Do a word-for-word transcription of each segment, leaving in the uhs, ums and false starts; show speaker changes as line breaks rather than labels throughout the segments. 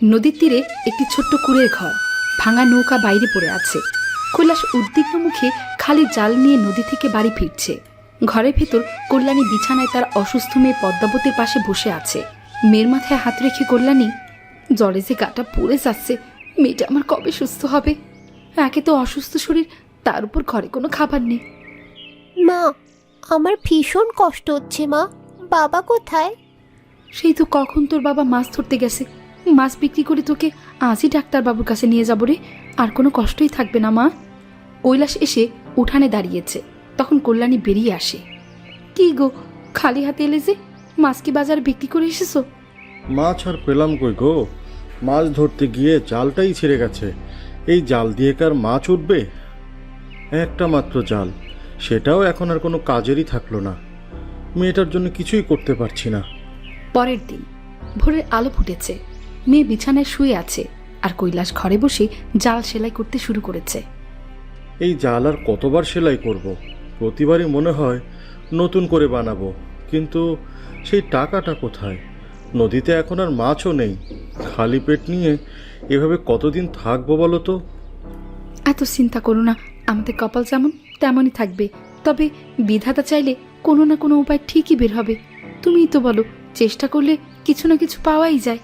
নদীর তীরে একটি ছোট্ট কুঁড়ের ঘর, ভাঙা নৌকা বাইরে পড়ে আছে। কৈলাস উদ্বিগ্ন মুখে খালি জাল নিয়ে নদী থেকে বাড়ি ফিরছে। ঘরের ভেতর কল্যাণী বিছানায় তার অসুস্থ মেয়ে পদ্মাবতীর পাশে বসে আছে। মেয়ের মাথায় হাত রেখে কল্যাণী, জ্বরে যে গাটা পুড়ে যাচ্ছে, মেয়েটা আমার কবে সুস্থ হবে? একে তো অসুস্থ শরীর, তার উপর ঘরে কোনো খাবার নেই।
মা, আমার ভীষণ কষ্ট হচ্ছে মা। বাবা কোথায়?
সেই তো কখন তোর বাবা মাছ ধরতে গেছে। মাছ বিক্রি করে তোকে আজই ডাক্তারবাবুর কাছে নিয়ে যাবো রে, আর কোনো কষ্টই থাকবে না মা। কৈলাস এসে উঠানে দাঁড়িয়েছে, তখন কল্যাণী বেরিয়ে আসে। কি গো, খালি হাতে এলে যে? মাছ কি বাজারে বিক্রি করে এসেছো?
মাছ আর পেলাম কই গো, মাছ ধরতে গিয়ে জালটাই ছিঁড়ে গেছে। এই জাল দিয়ে কার মাছ উঠবে? একটা মাত্র জাল, সেটাও এখন আর কোনো কাজেরই থাকলো না। মেয়েটার জন্য কিছুই করতে পারছি না।
পরের দিন ভোরের আলো ফুটেছে, মেয়ে বিছানায় শুয়ে আছে, আর কৈলাস ঘরে বসে জাল সেলাই করতে শুরু করেছে।
এই জাল আর কতবার সেলাই করব? প্রতিবারই মনে হয় নতুন করে বানাবো, কিন্তু সেই টাকাটা কোথায়? নদীতে এখন আর মাছও নেই। খালি পেট নিয়ে এভাবে কতদিন থাকবো বলো তো?
এত চিন্তা করো না, আমাদের কপাল যেমন তেমনই থাকবে। তবে বিধাতা চাইলে কোনো না কোনো উপায় ঠিকই বের হবে। তুমিই তো বলো, চেষ্টা করলে কিছু না কিছু পাওয়াই যায়।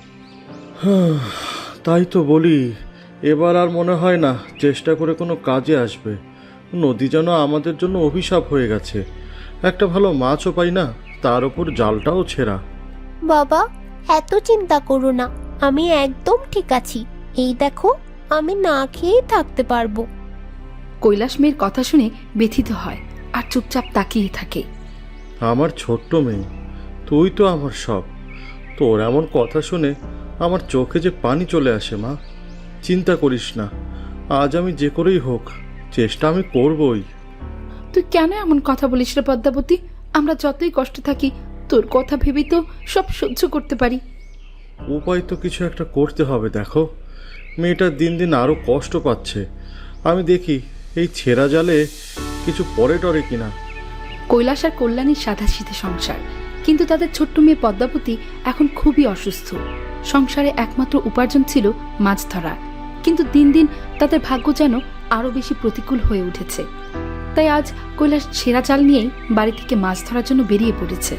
তাই তো বলি, এবার আর মনে হয় না চেষ্টা করে কোনো কাজে আসবে। নদী যেন আমাদের জন্য অভিশাপ হয়ে গেছে। একটা ভালো মাছও পাই না, তার উপর জালটাও ছেঁড়া।
বাবা, এত চিন্তা করো না, আমি একদম ঠিক আছি। এই দেখো, আমি না খেয়েই থাকতে পারবো।
কৈলাস মেয়ের কথা শুনে ব্যথিত হয় আর চুপচাপ তাকিয়ে থাকে।
আমার ছোট্ট মেয়ে, তুই তো আমার সব। তোর এমন কথা শুনে আমার চোখে যে পানি চলে আসে। মা, চিন্তা করিস না, আজ আমি যে করেই হোক চেষ্টা আমি করবই।
তুই কেন এমন কথা বলিস রে পদ্মাবতী? আমরা যতই কষ্ট থাকি, তোর কথা ভেবেই তো সব সহ্য করতে পারি।
উপায় তো কিছু একটা করতে হবে। দেখো, মেয়েটা দিন দিন আরও কষ্ট পাচ্ছে। আমি দেখি এই ছেঁড়া জালে কিছু পরে টরে কিনা।
কৈলাস আর কল্যাণীর সাধাসিধে সংসার, কিন্তু তাদের ছোট্ট মেয়ে পদ্মাবতী এখন খুবই অসুস্থ। সংসারে একমাত্র উপার্জন ছিল মাছ ধরা, কিন্তু দিন দিন তাদের ভাগ্য যেন আরও বেশি প্রতিকূল হয়ে উঠেছে। তাই আজ কৈলাস ছেঁড়া জাল নিয়েই বাড়ি থেকে মাছ ধরার জন্য বেরিয়ে পড়েছে।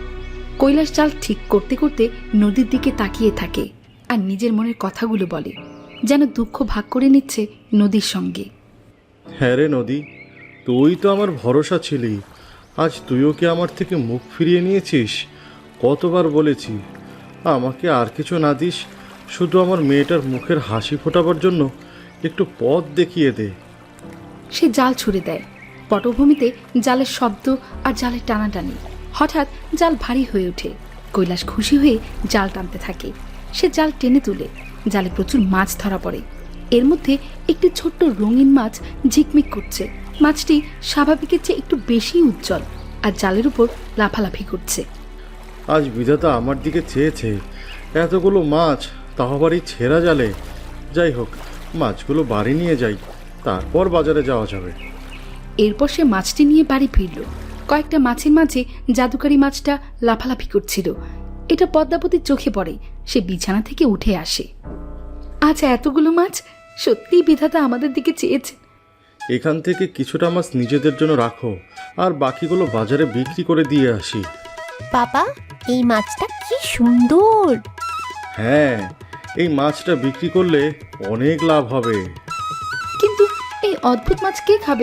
কৈলাস জাল ঠিক করতে করতে নদীর দিকে তাকিয়ে থাকে আর নিজের মনের কথাগুলো বলে, যেন দুঃখ ভাগ করে নিচ্ছে নদীর সঙ্গে।
হ্যাঁ রে নদী, তুই তো আমার ভরসা ছিলি, আজ তুইও কি আমার থেকে মুখ ফিরিয়ে নিয়েছিস? কতবার বলেছি আমাকে আর কিছু না দিস, শুধু আমার মেয়েটার মুখের হাসি ফোটাবার জন্য একটু পথ দেখিয়ে দে।
সে জাল ছুড়ে দেয়। পটভূমিতে জালের শব্দ আর জালের টানাটানি। হঠাৎ জাল ভারী হয়ে ওঠে। কৈলাস খুশি হয়ে জাল টানতে থাকে। সে জাল টেনে তুলে, জালে প্রচুর মাছ ধরা পড়ে। এর মধ্যে একটি ছোট্ট রঙিন মাছ ঝিকমিক করছে। মাছটি স্বাভাবিকের চেয়ে একটু বেশি উজ্জ্বল আর জালের উপর লাফালাফি করছে।
আজ বিধাতা আমার দিকে চেয়েছে, এতগুলো মাছ, তাও আবার এই ছেঁড়া জালে। যাই হোক, মাছগুলো বাড়ি নিয়ে যাই, তারপর বাজারে যাওয়া যাবে।
এরপর সে মাছটি নিয়ে বাড়ি ফিরল। কয়েকটা মাছের মাঝে জাদুকারি মাছটা লাফালাফি করছিল। এটা পদ্মাবতীর চোখে পড়ে। সে বিছানা থেকে উঠে আসে। আচ্ছা, এতগুলো মাছ, সত্যিই বিধাতা আমাদের দিকে চেয়েছে।
এখান থেকে কিছুটা মাছ নিজেদের জন্য রাখো, আর বাকিগুলো বাজারে বিক্রি করে দিয়ে আসি।
বাবা, এই মাছটা কি সুন্দর!
হ্যাঁ, এই মাছটা বিক্রি করলে অনেক লাভ হবে।
কিন্তু এই অদ্ভুত মাছ কে খাবে?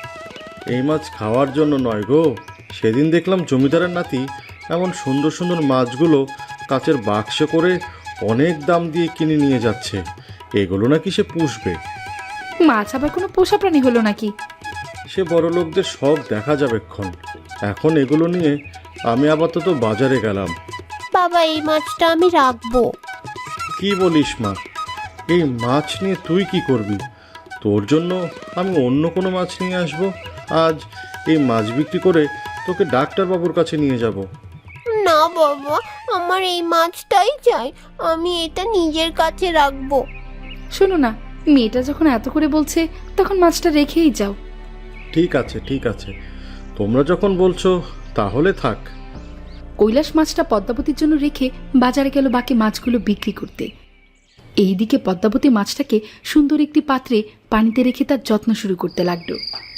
এই মাছ খাওয়ার জন্য নয় গো। সেদিন দেখলাম জমিদারের নাতি এমন সুন্দর সুন্দর মাছগুলো কাচের বাক্সে করে অনেক দাম দিয়ে কিনে নিয়ে যাচ্ছে। এগুলো নাকি সে পুষবে।
মাছ আবার কোনো পোষা প্রাণী হলো নাকি?
সে বড় লোকদের সব দেখা যাবে ক্ষণ। এখন এগুলো নিয়ে আমি আপাতত বাজারে গেলাম।
বাবা, এই মাছটা আমি রাখবো।
কি বলিস মা? এই মাছ নিয়ে তুই কি করবি? তোর জন্য আমি অন্য কোনো মাছ নিয়ে আসব। আজ এই মাছ বিক্রি করে তোকে ডাক্তারবাবুর কাছে নিয়ে যাব।
না বাবা, আমার এই মাছটাই চাই। আমি এটা নিজের কাছে রাখবো।
শোনো না, মেয়েটা যখন এত করে বলছে, তখন মাছটা রেখেই যাও।
ঠিক আছে ঠিক আছে, তোমরা যখন বলছো তাহলে থাক।
কৈলাস মাছটা পদ্মাবতীর জন্য রেখে বাজারে গেল বাকি মাছগুলো বিক্রি করতে। এইদিকে পদ্মাবতী মাছটাকে সুন্দর একটি পাত্রে পানিতে রেখে তার যত্ন শুরু করতে লাগলো।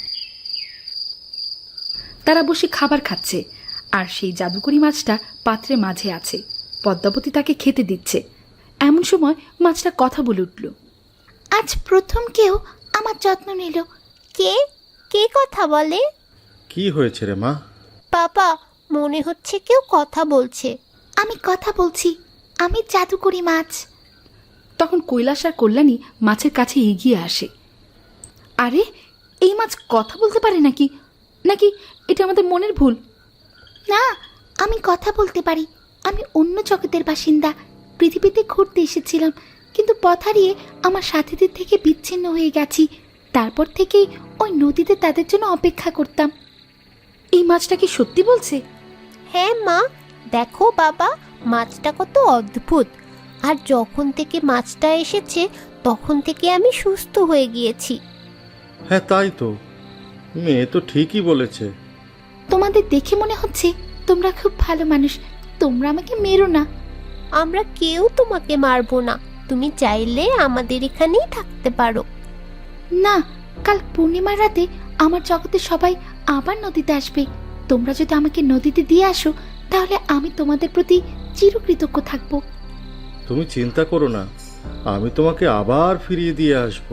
তারা বসে খাবার খাচ্ছে, আর সেই জাদুকরি মাছটা পাত্রে মাঝে আছে। পদ্মাবতী তাকে খেতে দিচ্ছে। এমন সময় মাছটা কথা বলে উঠল।
আজ প্রথম কেউ আমার যত্ন নিল। কে কে কথা বলে?
কি হয়েছে রে মা?
বাবা, মনে হচ্ছে কেউ কথা বলছে। আমি কথা বলছি, আমি জাদুকরি মাছ।
তখন কৈলাস আর কল্যাণী মাছের কাছে এগিয়ে আসে। আরে, এই মাছ কথা বলতে পারে নাকি? নাকি এটা আমাদের মনের ভুল?
না, আমি কথা বলতে পারি। আমি অন্য জগতের বাসিন্দা। পৃথিবীতে ঘুরতে এসেছিলাম, কিন্তু পথ হারিয়ে আমার সাথীদের থেকে বিচ্ছিন্ন হয়ে গেছি। তারপর থেকেই ওই নদীতে তাদের জন্য অপেক্ষা করতাম।
এই মাছটা কি সত্যি বলছে?
হ্যাঁ মা, দেখো বাবা, মাছটা কত অদ্ভুত। আর যখন থেকে মাছটা এসেছে তখন থেকে আমি সুস্থ হয়ে গিয়েছি।
হ্যাঁ তাই তো, মেয়ে তো ঠিকই বলেছে।
তোমাদের দেখে মনে হচ্ছে তোমরা খুব ভালো মানুষ। তোমরা আমাকে মেরো না। আমরা কেউ তোমাকে মারবো না। তুমি চাইলে আমাদের এখানেই থাকতে পারো।
না, কাল পূর্ণিমার রাতে আমার জগতে সবাই আবার নদীতে আসবে। তোমরা যদি আমাকে নদীতে দিয়ে আসো, তাহলে আমি তোমাদের প্রতি চিরকৃতজ্ঞ থাকবো।
তুমি চিন্তা করো না, আমি তোমাকে আবার ফিরিয়ে দিয়ে আসবো।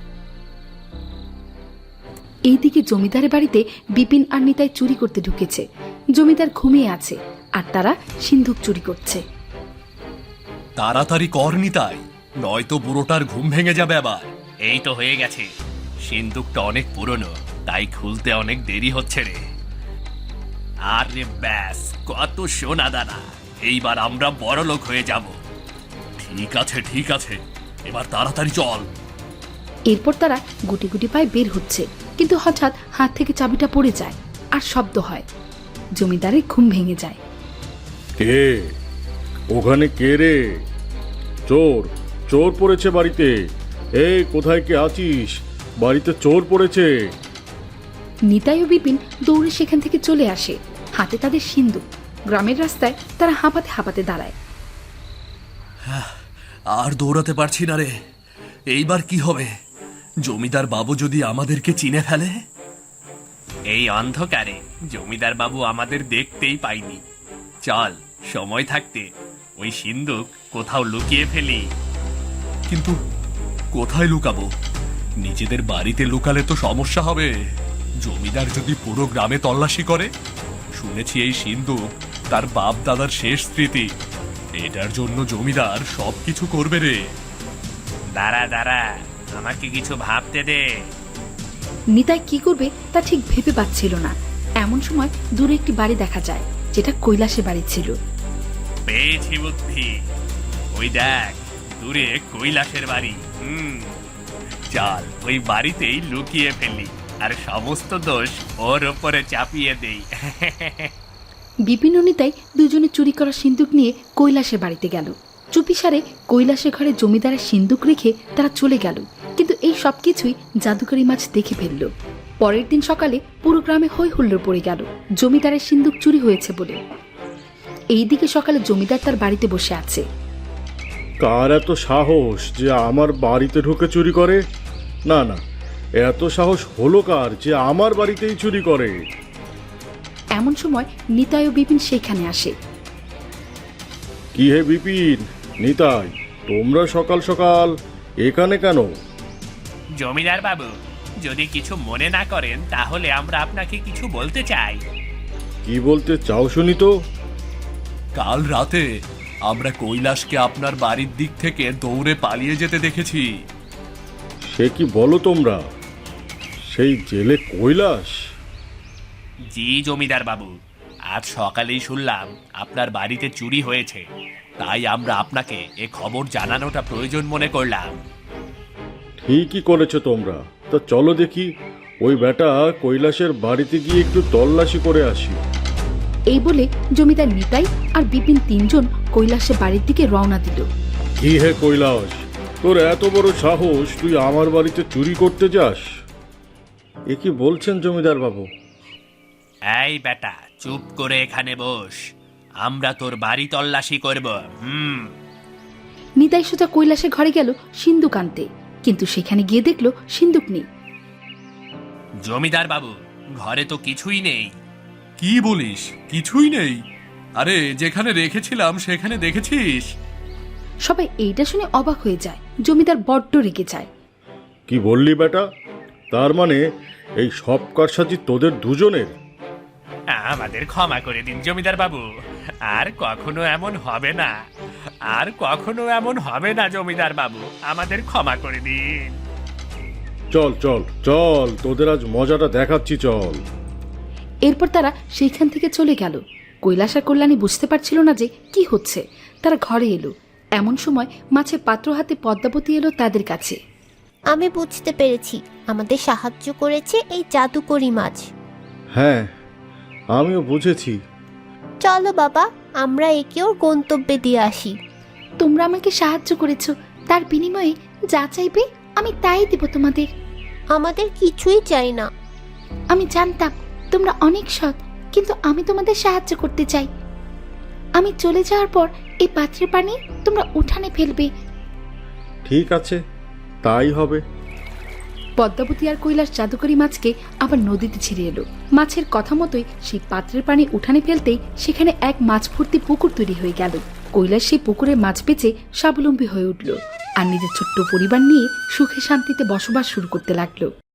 এইদিকে জমিদারের বাড়িতে বিপিন আর নিতাই চুরি করতে ঢুকেছে। জমিদার ঘুমিয়ে আছে, আর তারা সিন্ধুক চুরি করছে।
তাড়াতাড়ি কর নিতাই, নয়তো বুড়োটার ঘুম ভেঙে যাবে আবার।
এই তো হয়ে গেছে। সিন্দুকটা অনেক পুরনো, তাই খুলতে অনেক দেরি হচ্ছে রে। আরে ব্যাস, কত সোনা দানা! এইবার আমরা বড় লোক হয়ে যাব।
ঠিক আছে ঠিক আছে, এবার তাড়াতাড়ি চল।
এরপর তারা গুটি গুটি পায়ে বের হচ্ছে, কিন্তু হঠাৎ হাত থেকে চাবিটা পড়ে যায় আর শব্দ হয়। জমিদারের ঘুম ভেঙে যায়।
কে ওখানে? কে রে? চোর, চোর পড়েছে বাড়িতে। এই কোথায় কে আছিস? বাড়িতে চোর পড়েছে।
নিতাই ও বিপিন দৌড়ে সেখান থেকে চলে আসে, হাতে তাদের সিন্ধুক। গ্রামের রাস্তায় তারা হাঁপাতে হাঁপাতে দাঁড়ায়।
আর দৌড়াতে পারছি না রে। এইবার কি হবে? জমিদার বাবু যদি আমাদেরকে চিনে ফেলে?
এই অন্ধকারে জমিদার বাবু আমাদের দেখতেই পাইনি। চল, সময় থাকতে ওই সিন্দুক কোথাও লুকিয়ে ফেলি।
কিন্তু কোথায় লুকাবো? নিজেদের বাড়িতে লুকালে তো সমস্যা হবে। জমিদার যদি পুরো গ্রামে তল্লাশি করে? শুনেছি এই সিন্দুক তার বাপ দাদার শেষ স্মৃতি। এটার জন্য জমিদার সবকিছু করবে রে।
দাঁড়া দাঁড়া, আমাকে কিছু ভাবতে দে।
নিতাই কি করবে তা ঠিক ভেবে পাচ্ছিল না। এমন সময় দূরে একটি বাড়ি দেখা যায়, যেটা কৈলাসের বাড়ি ছিল।
পেয়েছি বুদ্ধি। ওই দেখ, দূরে কৈলাসের বাড়ি। হুম, চল ওই বাড়িতেই লুকিয়ে ফেলি, আর সমস্ত দোষ ওর ওপরে চাপিয়ে দেই।
বিপিন ও নিতাই দুজনে চুরি করা সিন্দুক নিয়ে কৈলাসের বাড়িতে গেল। চুপিসারে কৈলাসের ঘরে জমিদারের সিন্দুক রেখে তারা চলে গেল, কিন্তু এই সব কিছুই জাদুকরি মাছ দেখে ফেলল। পরের দিন সকালে পুরো গ্রামে হই হুল্লোড় পড়ে গেল জমিদারের সিন্দুক চুরি হয়েছে বলে। এইদিকে সকালে জমিদার তার বাড়িতে বসে আছে।
কার এত সাহস যে আমার বাড়িতে ঢুকে চুরি করে? না না, এত সাহস হলো কার যে আমার বাড়িতেই চুরি করে?
এমন সময় নিতাই ও বিপিন সেখানে আসে।
কি হে বিপিন, নিতাই, তোমরা সকাল সকাল এখানে কেন?
জমিদার বাবু, যদি কিছু মনে না করেন তাহলে আমরা আপনাকে কিছু বলতে চাই।
কি বলতে চাও শুনি তো?
কাল রাতে আমরা কৈলাসকে আপনার বাড়ির দিক থেকে দৌড়ে পালিয়ে যেতে দেখেছি।
সে কি বলো তোমরা? সেই জেলে কৈলাস?
জি জমিদার বাবু, আজ সকালেই শুনলাম আপনার বাড়িতে চুরি হয়েছে, তাই আমরা আপনাকে এ খবর জানানোটা প্রয়োজন মনে করলাম।
ঠিকই করেছো তোমরা। তা চলো দেখি ওই বেটা কৈলাসের বাড়িতে গিয়ে একটু তল্লাশি করে আসি।
এই বলে জমিদার নিতাই আর বিপিন তিনজন কৈলাসের বাড়ির দিকে রওনা দিল।
কি হে কৈলাস, তোর এত বড় সাহস, তুই আমার বাড়িতে চুরি করতে যাস? এ কি বলছেন জমিদার বাবু?
এই বেটা, চুপ করে এখানে বস, আমরা তোর বাড়ি তল্লাশি করব। হুম।
নিতাই সোজা কৈলাসের ঘরে গেল সিন্দুক আনতে, কিন্তু সেখানে গিয়ে দেখলো সিন্দুক নেই।
জমিদার বাবু, ঘরে তো কিছুই নেই।
কি বলিস, কিছুই নেই? আরে যেখানে রেখেছিলাম সেখানে দেখেছিস?
সবাই এইটা শুনে অবাক হয়ে যায়। জমিদার বড্ড রেগে যায়।
কি বললি বেটা? তার মানে এই সব কারসাজি তোদের দুজনের?
আমাদের ক্ষমা করে দিন জমিদার বাবু, আর কখনো এমন হবে না, আর কখনো এমন হবে না জমিদার বাবু, আমাদের ক্ষমা করে দিন।
চল চল চল, তোদের আজ মজাটা দেখাচ্ছি, চল।
এরপর তারা সেইখান থেকে চলে গেল। কৈলাস আর কল্যাণী বুঝতে পারছিল না যে কি হচ্ছে। তারা ঘরে এলো। এমন সময় মাছের পাত্র হাতে পদ্মাবতী এলো তাদের কাছে।
আমি বুঝতে পেরেছি, আমাদের সাহায্য করেছে এই জাদুকরি মাছ।
হ্যাঁ, আমিও বুঝেছি।
চলো বাবা, আমরা একে ওর গন্তব্যে দিয়ে আসি।
তোমরা আমাকে সাহায্য করেছো, তার বিনিময়ে যা চাইবে আমি তাই দেব তোমাদের।
আমাদের কিছুই চাই না।
আমি জানতাম তোমরা অনেক সৎ, কিন্তু আমি তোমাদের সাহায্য করতে চাই। আমি চলে যাওয়ার পর এই পাত্রের পানি তোমরা উঠানে ফেলবে।
ঠিক আছে, তাই হবে।
পদ্মাবতী আর কৈলাস জাদুকরি মাছকে আবার নদীতে ছেড়ে এলো। মাছের কথা মতোই সেই পাত্রের পানি উঠানে ফেলতেই সেখানে এক মাছ ভর্তি পুকুর তৈরি হয়ে গেল। কৈলাস সেই পুকুরে মাছ বেচে স্বাবলম্বী হয়ে উঠল আর নিজের ছোট্ট পরিবার নিয়ে সুখে শান্তিতে বসবাস শুরু করতে লাগলো।